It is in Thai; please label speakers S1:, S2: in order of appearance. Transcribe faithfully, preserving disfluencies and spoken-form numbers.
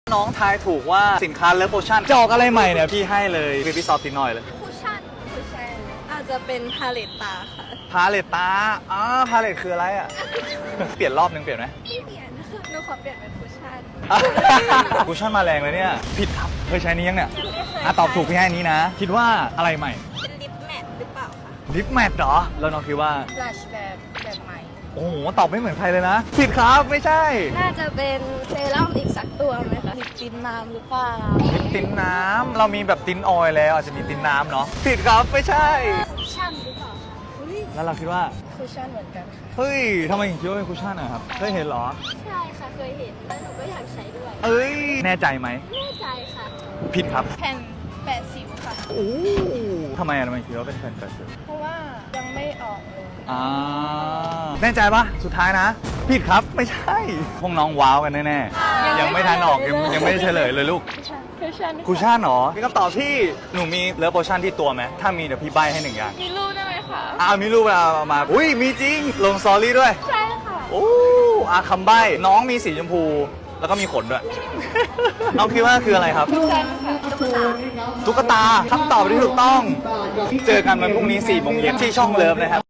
S1: น้องทายถูกว่าสินค้าเลิฟโพชั่นจะออกอะไรใหม่เนี่ยพี่ให้เลยเบบี้ซอฟติดหน่อยเลย
S2: คุชชั่นคุชชั่นอาจจะเป็นพาเลตตาค่ะ
S1: พาเลตตาอ๋อพาเลตคืออะไรอ่ะ เปลี่ยนรอบนึงเปลี่ยนไหม
S2: ไม่เปลี่ยนนะคะหนูขอเปลี่ยนเป็นคุชชั่น
S1: คูชั่นมาแรงเลยเนี่ยผิดครับเคยใช้นี้ยังเนี่ยอ่ะตอบถูกพี่ให้นี้นะ คิดว่าอะไรใหม่
S2: เป็นลิปแมทหรือเปล่าคะ
S1: ลิปแมทเหรอแล้วน้องคิดว่า
S2: บลัชแบบแบบใหม่
S1: โอ้โหตอบไม่เหมือนใครเลยนะผิดครับไม่ใช่
S2: น่าจะเป็นเซรั่มอีกสักตัวไหมคะลิปตินน้ำหรือเปล่า
S1: ลิปติ้นน้ำเรามีแบบติ้นออยล์แล้วอาจจะมีติ้นน้ำเนาะผิดครับไม่ใช่
S2: คุชชั่นหรือเปล่าคะอุ๊ย
S1: แล้วเราคิดว่า
S2: คุชชั่นเหมือนกันค่ะ
S1: เฮ้ยทำไมถึงคิดว่าเป็นคูชั่นอะครับเคยเห็นเหรอ
S2: ใช่ค่ะเคยเห็นแล้วหนูก็อยากใช้ด้วย
S1: เอ้ยแน่ใจไหม
S2: แน่ใจค่ะ
S1: ผิดครับ
S2: แผ่นแปดสิวค่ะ
S1: โอ้ทำไมอะทำไมคิดว่าเป็นแฟนกัน
S2: เพราะว่ายังไม่ออกเลย
S1: อ่าแน่ใจปะสุดท้ายนะ ผิดครับไม่ใช่พวกน้องว้าวกันแน่ๆยังไม่ทันออกยังยังไม่ได้เฉลยเลยลูก
S2: คุชชั่น
S1: คูชั่นเหรอมีคำตอบที่หนูมีเลิฟโพชั่นที่ตัวไหมถ้ามีเดี๋ยวพี่ใบให้หนึ่งอย่าง
S2: มีรูปได้ไหมคะ
S1: อ่ามีรูปเอามาอุ้ยมีจริงลงสตอรี่ด้วย
S2: ใช่ค่ะ
S1: โอ้อาคำใบ้น้องมีสีชมพู แล้วก็มีขนด้วย น้องคิดว่าคืออะไรครับ
S2: คุชชั่นค่ะตุ๊กตา
S1: ตุ๊กตาคำตอบที่ถูกต้อง เจอกันวันพรุ่งนี้สี่โมงเย็นที่ช่องเลิฟนะครับ